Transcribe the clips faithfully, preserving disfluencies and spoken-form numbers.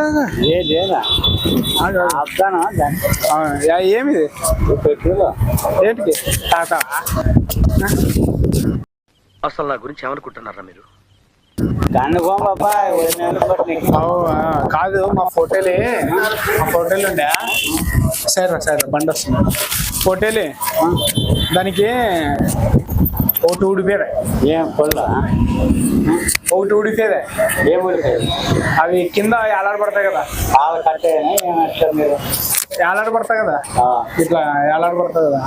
ఏమిది ఏంటికి తాత అసలు నా గురించి ఏమనుకుంటున్నారా మీరు? కాదు మా ఫోటోలే మా ఫోటోలు ఉండే సరే సరే బండి వస్తుంది ఫోటోలే దానికి ఒకటి ఊడిపోయారా ఏం పొల్ల ఒకటి ఊడిపోయేదే ఏం ఊడిపోయేది అవి కింద ఏలాడబడతాయి కదా బాగా కట్టేయని ఏమంటారు మీరు ఏలాడబడతాయి కదా ఇట్లా ఏలాడబడతాయి కదా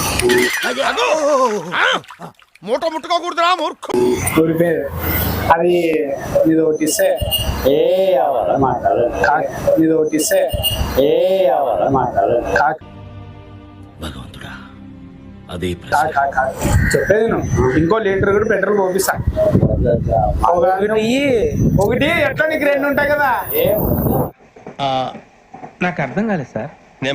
మూట ముట్టుకోకూడదురా మూర్ఖు ఊడిపోయేది అది ఇది ఒకటి ఇస్తే ఏ అవ్వాలి మాట్లాడు ఇది ఒకటి ఇస్తే ఏ అవ్వాలి మాట్లాడు భగవంతుడా అదే చెప్పేది నువ్వు ఇంకో లీటర్ కూడా పెట్రోల్ పోపిస్తా ఒకటి ఒకటి ఎట్లా నీకు రెండు ఉంటాయి కదా నాకు అర్థం కాలేదు సార్.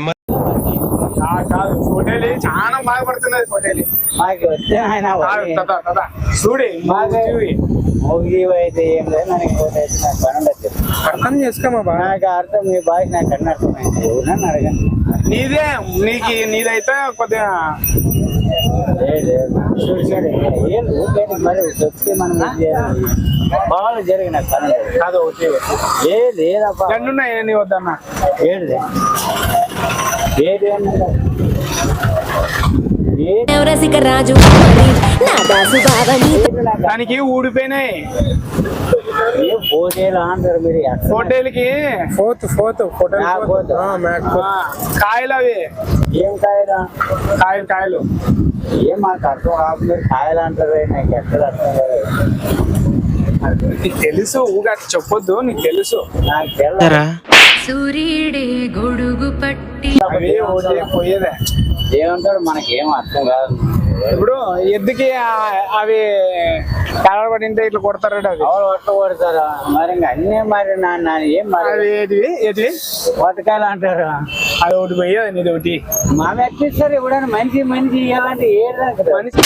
కాదు ఫోటోలు చాలా బాగా పడుతున్నది ఫోటోలు మాకు వస్తే ఆయన చూడి మోగి అయితే ఏం లేదు నాకు ఇంకోటి అయితే నాకు పని ఉండదు అర్థం చేసుకోమా బాగా నాకు అర్థం మీ బాగా నాకు అన్న అర్థమైంది ఎవరన్నా అడగండి నీదే నీకు నీదైతే కొద్దిగా మరి చెప్తే మనం బాగా జరిగిన పని కాదు ఒకటి ఏ లేదబ్బా రెండు ఉన్నాయి నీ వద్దన్నా ఏడుదే ఏది రాజు దానికి ఊడిపోయినాయి ఫోటోలు అంటారు మీరు ఫోటోలకి ఫోర్త్ ఫోర్త్ ఫోటో కాయలు అవి ఏం కాయలు కాయలు కాయలు ఏం మాకు అర్థం కాదు మీరు కాయలు అంటారు నాకు ఎక్కడ అర్థం కాదు నీకు తెలుసు ఊగా చెప్పొద్దు నీకు తెలుసు నాకు తెల్ల సూర్యుడే గొడుగు పట్టి పోయేదే ఏమంటాడు మనకేం అర్థం కాదు ఇప్పుడు ఎద్దుకి అవి కలబడింటే ఇట్లా కొడతారు అది ఎవరు ఒట్ట కొడతారా మరి ఇంకా అన్నీ మరి నా ఏం మరి ఏది ఏది వటకాయలు అంటారు అది ఒకటి పోయేది నీది ఒకటి మా ఎక్కిస్తారు ఎప్పుడైనా మంచి మంచి ఇలాంటి ఏది మనిషి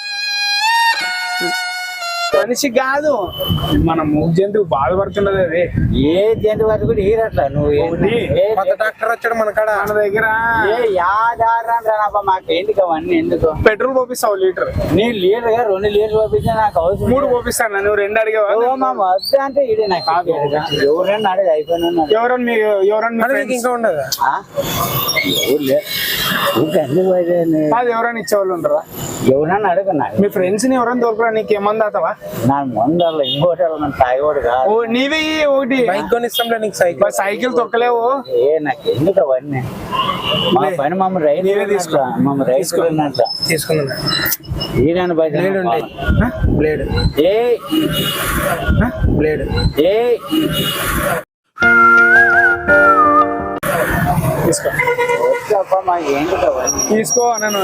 మనిషి కాదు మన మూడు జంతువు బాధపడుతున్నది అది ఏ జంతువు అది కూడా ఈరట్లా నువ్వు డాక్టర్ వచ్చాడు మన కాడ మన దగ్గర ఏ యాదారా మాకు ఎందుకు అవన్నీ ఎందుకు పెట్రోల్ పోపిస్తావు లీటర్ నీ లీటర్ గా రెండు లీటర్లు పంపిస్తే నాకు అవసరం మూడు పోపిస్తాను నువ్వు రెండు అడిగావా మా వద్ద అంటే ఇదే నాకు ఎవరైనా అడిగి అయిపోయినా ఎవరన్నా మీ ఎవరన్నా ఇంకా ఉండదు అది ఎవరైనా ఇచ్చేవాళ్ళు ఉంటారా ఎవరన్నా అడుగున్నా మీ ఫ్రెండ్స్ ని ఎవరైనా దొరకరా నీకు ఏమన్నా అవుతావా నా ముందర ఇంకోటి తాగోడు కాదు నీవే ఒకటి బైక్ కొనిస్తాంలే నీకు సైకిల్ సైకిల్ తొక్కలేవు ఏ నాకు ఎందుకు అవన్నీ మా పని మమ్మల్ని రైతు తీసుకో మమ్మల్ని రైతు తీసుకున్నా ఈయన బ్లేడ్ ఉంటాయి బ్లేడ్ ఏ బ్లేడ్ ఏ తీసుకో మాకు ఏంటి అవన్నీ తీసుకో నన్ను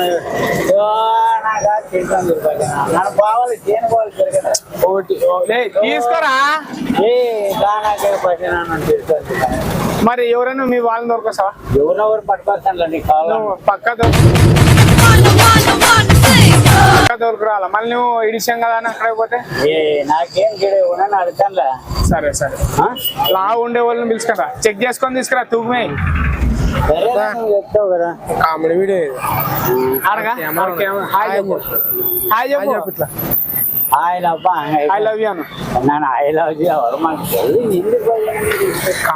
నన్ను బావాలి దేని బావాలి జరగదు ఒకటి తీసుకోరా ఏ దానాకే పట్టినా మరి ఎవరైనా మీ వాళ్ళని దొరకొస్తావా ఎవరెవరు పట్టుకొస్తాను నీకు కావాలి పక్క పక్క దొరకరాలా మళ్ళీ నువ్వు ఇడిసాం కదా అని అక్కడ పోతే ఏ నాకేం గిడ ఉన్నాను అడుగుతానులే సరే సరే లా ఉండే వాళ్ళని పిలుచుకరా చెక్ చేసుకొని తీసుకురా తూమే చెప్తావు కదా కామెడీ వీడియో అడగా హాయ్ చెప్పు హాయ్ చెప్పు ఇట్లా ఆయన ఐ లవ్ యూ అను నేను ఐ లవ్ యూ ఎవరు మనకు